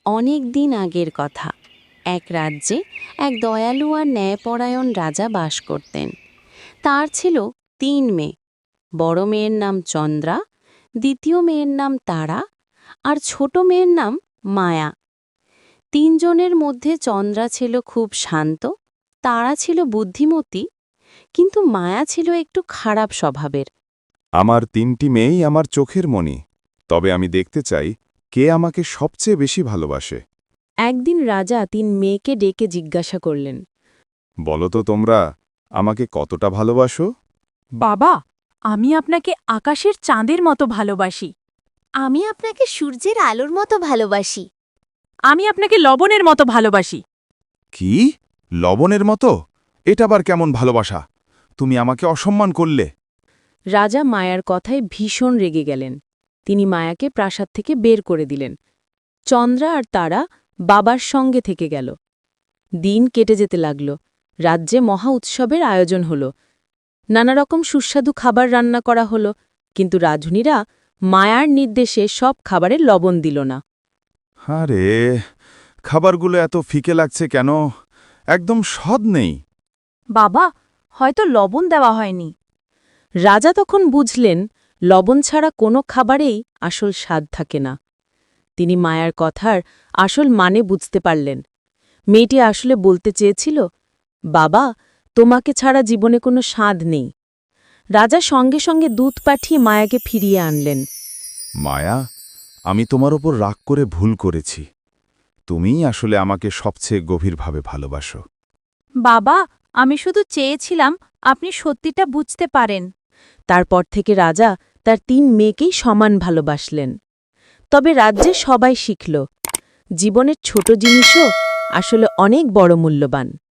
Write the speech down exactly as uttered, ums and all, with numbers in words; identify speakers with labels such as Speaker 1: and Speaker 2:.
Speaker 1: অনেক দিন আগের কথা। এক রাজ্যে এক দয়ালু আর ন্যায়পরায়ণ রাজা বাস করতেন। তার ছিল তিন মেয়ে। বড় মেয়ের নাম চন্দ্রা, দ্বিতীয় মেয়ের নাম তারা, আর ছোট মেয়ের নাম মায়া। তিনজনের মধ্যে চন্দ্রা ছিল খুব শান্ত, তারা ছিল বুদ্ধিমতী, কিন্তু মায়া ছিল একটু খারাপ স্বভাবের।
Speaker 2: আমার তিনটি মেয়েই আমার চোখের মণি, তবে আমি দেখতে চাই কে আমাকে সবচেয়ে বেশি ভালোবাসে।
Speaker 1: একদিন রাজা তিন মেয়েকে ডেকে জিজ্ঞাসা করলেন,
Speaker 2: বলো তো তোমরা আমাকে কতটা ভালোবাসো?
Speaker 3: বাবা, আমি আপনাকে আকাশের চাঁদের মতো ভালোবাসি।
Speaker 4: আমি আপনাকে সূর্যের আলোর মতো ভালোবাসি।
Speaker 3: আমি আপনাকে লবণের মতো ভালোবাসি।
Speaker 2: কি? লবণের মতো? এটা আবার কেমন ভালোবাসা? তুমি আমাকে অসম্মান করলে।
Speaker 1: রাজা মায়ার কথায় ভীষণ রেগে গেলেন। তিনি মায়াকে প্রাসাদ থেকে বের করে দিলেন। চন্দ্রা আর তারা বাবার সঙ্গে থেকে গেল। দিন কেটে যেতে লাগল। রাজ্যে মহা উৎসবের আয়োজন হল। নানা রকম সুস্বাদু খাবার রান্না করা হল, কিন্তু রাঁধুনিরা মায়ার নির্দেশে সব খাবারে লবণ দিল না।
Speaker 2: আরে, খাবারগুলো এত ফিকে লাগছে কেন? একদম স্বাদ নেই।
Speaker 3: বাবা, হয়তো লবণ দেওয়া হয়নি।
Speaker 1: রাজা তখন বুঝলেন লবণ ছাড়া কোনো খাবারেই আসল স্বাদ থাকে না। তিনি মায়ার কথার আসল মানে বুঝতে পারলেন। মেয়েটি আসলে বলতে চেয়েছিল, বাবা, তোমাকে ছাড়া জীবনে কোনো স্বাদ নেই। রাজা সঙ্গে সঙ্গে দূত পাঠিয়ে মায়াকে ফিরিয়ে আনলেন।
Speaker 2: মায়া, আমি তোমার ওপর রাগ করে ভুল করেছি। তুমিই আসলে আমাকে সবচেয়ে গভীরভাবে ভালোবাসো।
Speaker 3: বাবা, আমি শুধু চেয়েছিলাম আপনি সত্যিটা বুঝতে পারেন।
Speaker 1: তারপর থেকে রাজা তার তিন মেয়েকেই সমান ভালোবাসলেন। তবে রাজ্যে সবাই শিখল, জীবনের ছোট জিনিসও আসলে অনেক বড় মূল্যবান।